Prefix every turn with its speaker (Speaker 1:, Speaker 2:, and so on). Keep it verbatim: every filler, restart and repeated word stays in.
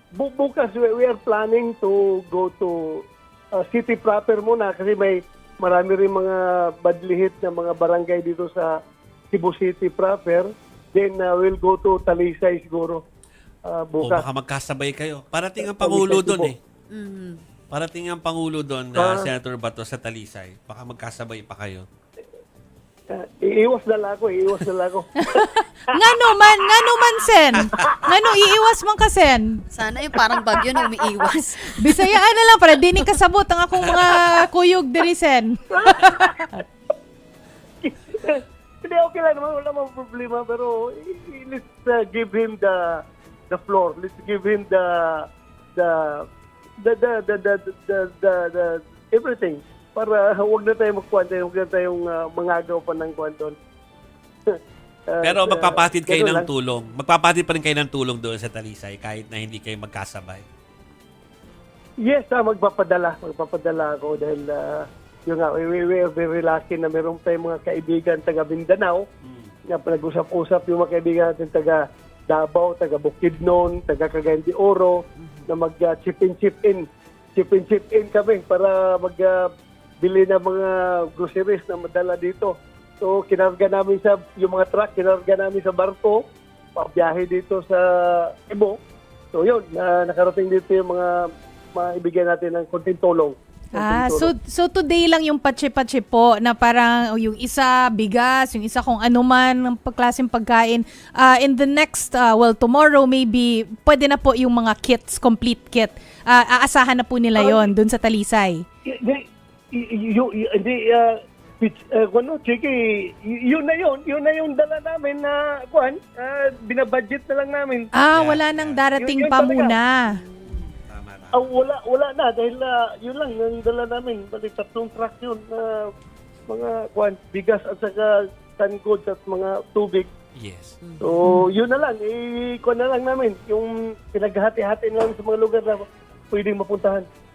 Speaker 1: bu- bukas we, we are planning to go to uh, city proper muna kasi may marami rin mga badlihit na mga barangay dito sa Cebu City proper. Then uh, we'll go to Talisay siguro uh,
Speaker 2: O
Speaker 1: bukas.
Speaker 2: baka magkasabay kayo. Parating ang Pangulo doon eh.
Speaker 3: Mhm.
Speaker 2: Parating ang Pangulo doon
Speaker 1: Ah.
Speaker 2: na Senator Bato sa Talisay. Baka magkasabay pa kayo.
Speaker 1: Uh, iiwas na lang ako, iiwas na lang ako.
Speaker 4: Ngano man, ngano man sen. Ngano iiwas man ka sen.
Speaker 3: Sana yung parang bagyo na umiiwas.
Speaker 4: Bisayaan na lang para dinig kasabot ang akong mga kuyog diri sen.
Speaker 1: Hindi, okay lang naman, wala mang problema, pero i- i- let's uh, give him the the floor. Let's give him the the the the the the, the, the, the everything para huwag na tayong magkwanta, huwag na tayong uh, mangagaw pa ng kwanton. Uh,
Speaker 2: Pero
Speaker 1: uh,
Speaker 2: magpapatid kayo
Speaker 1: ganun
Speaker 2: ng
Speaker 1: lang.
Speaker 2: tulong. Magpapatid pa rin kayo ng tulong doon sa Talisay kahit na hindi kayo magkasabay.
Speaker 1: Yes, ah, magpapadala. Magpapadala ako dahil uh, yun nga, we, we, we are very lucky na meron tayong mga kaibigan taga Mindanao. Nga nag-usap-usap yung mga kaibigan natin taga Davao, taga Bukidnon, taga Cagayan de Oro, na mag-chip in, chip in. Chip in, chip in kami para mag-bili ng mga groceries na madala dito. So, kinarga namin sa, yung mga truck, kinarga namin sa barko, pabiyahe dito sa Cebu. So, yun, na, nakarating dito yung mga maibigyan natin ng konting tulong.
Speaker 4: Ah,
Speaker 1: Konting
Speaker 4: so
Speaker 1: tulong.
Speaker 4: so today lang yung patsi-patsi po na parang oh, yung isa bigas, yung isa kung ano man ng pagklaseng pagkain. Ah, in the next uh, well tomorrow maybe pwede na po yung mga kits, complete kit. Ah, aasahan na po nila 'yon doon sa Talisay.
Speaker 1: Hindi, y- y- y- hindi, uh, pitch- uh, ano, Chiki, y- yun na yun, yun na yung dala namin na, kuhan, uh, binabudget na lang namin.
Speaker 4: Ah,
Speaker 2: Yeah,
Speaker 4: wala
Speaker 2: yeah.
Speaker 4: nang darating
Speaker 1: Yun- yun
Speaker 4: pa
Speaker 1: talaga.
Speaker 4: muna.
Speaker 2: Tama na.
Speaker 1: Ah, wala, wala na, dahil uh, yun lang, yung dala namin, balik tatlong truck yun, na mga, kuhan, bigas at saka canned goods at mga tubig.
Speaker 2: Yes.
Speaker 1: So, yun na lang, i-kuhan na lang namin, yung pinaghati-hati na lang sa mga lugar na pwedeng mapuntahan.